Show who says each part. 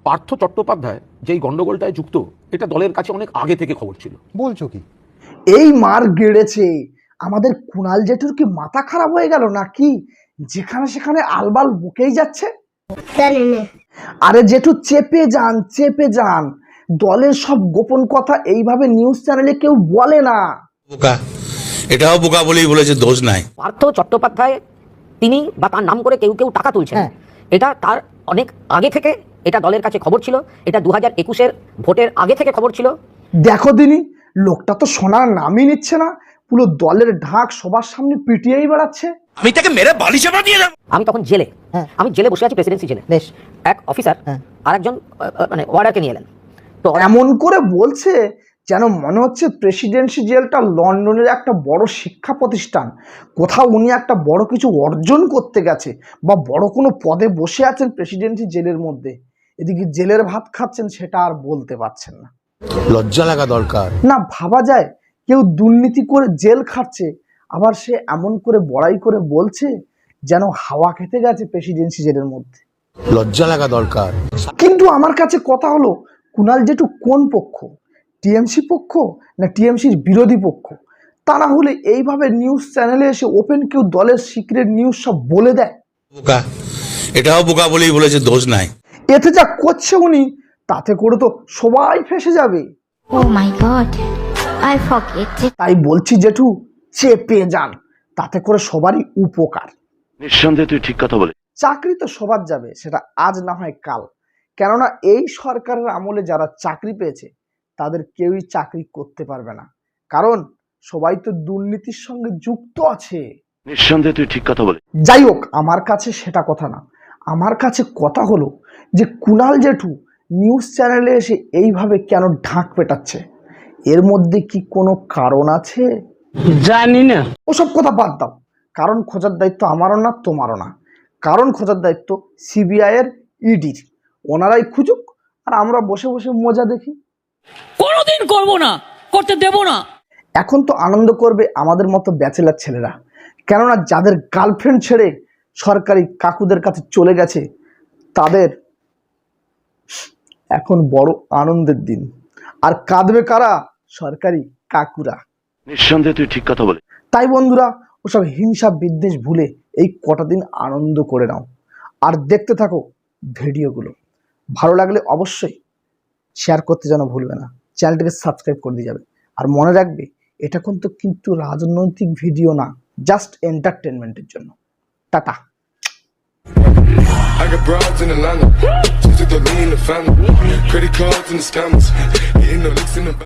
Speaker 1: পার্থ চট্টোপাধ্যায় যেই গন্ডগোলটায় যুক্ত, এটা দলের কাছে অনেক আগে থেকে খবর ছিল।
Speaker 2: বলছো কি?
Speaker 3: এই মার গেড়েছে আমাদের কুণাল জেঠুর কি মাথা খারাপ হয়ে গেল নাকি? যেখানে সেখানে আলবাল বকেই যাচ্ছে। আরে জেঠু চেপে যান, দলের সব গোপন কথা এইভাবে নিউজ চ্যানেলে কেউ বলে না।
Speaker 4: বোকা, এটাও বোকা বলেই বলেছে, দোষ নাই।
Speaker 5: পার্থ চট্টোপাধ্যায় তিনি বা তার নাম করে কেউ কেউ টাকা তুলছেন, এটা তার অনেক আগে থেকে এটা দলের কাছে খবর ছিল। এটা 2021-এর ভোটের আগে থেকে খবর ছিল।
Speaker 3: দেখো দিনি, লোকটা তো সোনার নামই নিচ্ছে না, পুরো দলের ঢাক সবার সামনে পিটিয়েই বেড়াচ্ছে।
Speaker 4: আমি তাকে মেরে বালি চাপা দিয়ে যাব।
Speaker 5: আমি তখন জেলে, আমি জেলে বসে আছি, প্রেসিডেন্সি জেলে। এক অফিসার আর একজন মানে ওয়ার্ডারকে নিয়ে এলেন, তো
Speaker 3: এমন করে বলছে যেন মনে হচ্ছে প্রেসিডেন্সি জেলটা লন্ডনের একটা বড় শিক্ষা প্রতিষ্ঠান, কোথাও উনি একটা বড় কিছু অর্জন করতে গেছে বা বড় কোনো পদে বসে আছেন প্রেসিডেন্সি জেলের মধ্যে। এদিকে জেলের ভাত খাচ্ছেন, সেটা আর বলতে পারছেন না।
Speaker 4: লজ্জা লাগা দরকার।
Speaker 3: না ভাবা যায় কেউ দুর্নীতি করে জেল খাচ্ছে, আবার সে এমন করে বড়াই করে বলছে যেন হাওয়া খেতে গেছে প্রেসিডেন্সি জেলের মধ্যে।
Speaker 4: লজ্জা লাগা দরকার।
Speaker 3: কিন্তু আমার কাছে কথা হলো, কুণাল জেঠু কোন পক্ষ? টিএমসি পক্ষ না টিএমসির বিরোধী পক্ষ? তা না হলে এইভাবে নিউজ চ্যানেলে এসে ওপেন কেউ দলের সিক্রেট নিউজ সব বলে দেয়।
Speaker 4: বোকা, এটাও বোকা বলেই বলেছে, দোষ নাই।
Speaker 3: এতে যা করছে উনি, তাতে করে তো সবাই ফেসে যাবে।
Speaker 6: Oh my God, I forget it.
Speaker 3: তাই বলছি জেঠু, চেপে যান, তাতে করে সবারই উপকার।
Speaker 7: নিঃসন্দেহে তুই ঠিক কথা বলে।
Speaker 3: চাকরি তো সবার যাবে, সেটা আজ না হয় কাল। কেননা এই সরকারের আমলে যারা চাকরি পেয়েছে তাদের কেউই চাকরি করতে পারবে না, কারণ সবাই তো দুর্নীতির সঙ্গে যুক্ত আছে।
Speaker 7: নিঃসন্দেহে তুই ঠিক কথা বলে।
Speaker 3: যাই হোক, আমার কাছে সেটা কথা না, আমার কাছে কথা হলো যে কুণাল জেঠু নিউজ চ্যানেলে এসে এইভাবে কেন ঢাক পেটাচ্ছে? এর মধ্যে কি কোনো কারণ আছে?
Speaker 8: জানি না।
Speaker 3: ওসব কথা বাদ দাও, কারণ খোঁজার দায়িত্ব আমারও না তোমারও না, কারণ খোঁজার দায়িত্ব সিবিআই এর, ইডির। ওনারাই খুঁজুক, আর আমরা বসে বসে মজা দেখি।
Speaker 8: কোনোদিন করব না, করতে দেব না।
Speaker 3: এখন তো আনন্দ করবে আমাদের মতো ব্যাচেলার ছেলেরা, কেননা যাদের গার্লফ্রেন্ড ছেড়ে সরকারি কাকুদের কাছে চলে গেছে, তাদের এখন বড় আনন্দের দিন। আর কাঁদবে কারা? সরকারি কাকুরা।
Speaker 7: নিঃসন্দেহে তুই ঠিক কথা বলে।
Speaker 3: তাই বন্ধুরা, ওসব হিংসা বিদ্বেষ ভুলে এই কটা দিন আনন্দ করে নাও, আর দেখতে থাকো ভিডিওগুলো। ভালো লাগলে অবশ্যই শেয়ার করতে যেন ভুলবে না, চ্যানেলটিকে সাবস্ক্রাইব করে দিয়ে যাবে। আর মনে রাখবে, এটা কিন্তু রাজনৈতিক ভিডিও না, জাস্ট এন্টারটেনমেন্টের জন্য। টাটা।
Speaker 9: I got broads in Atlanta, just to throw me in the family. Credit cards and the scammers, hitting the licks in the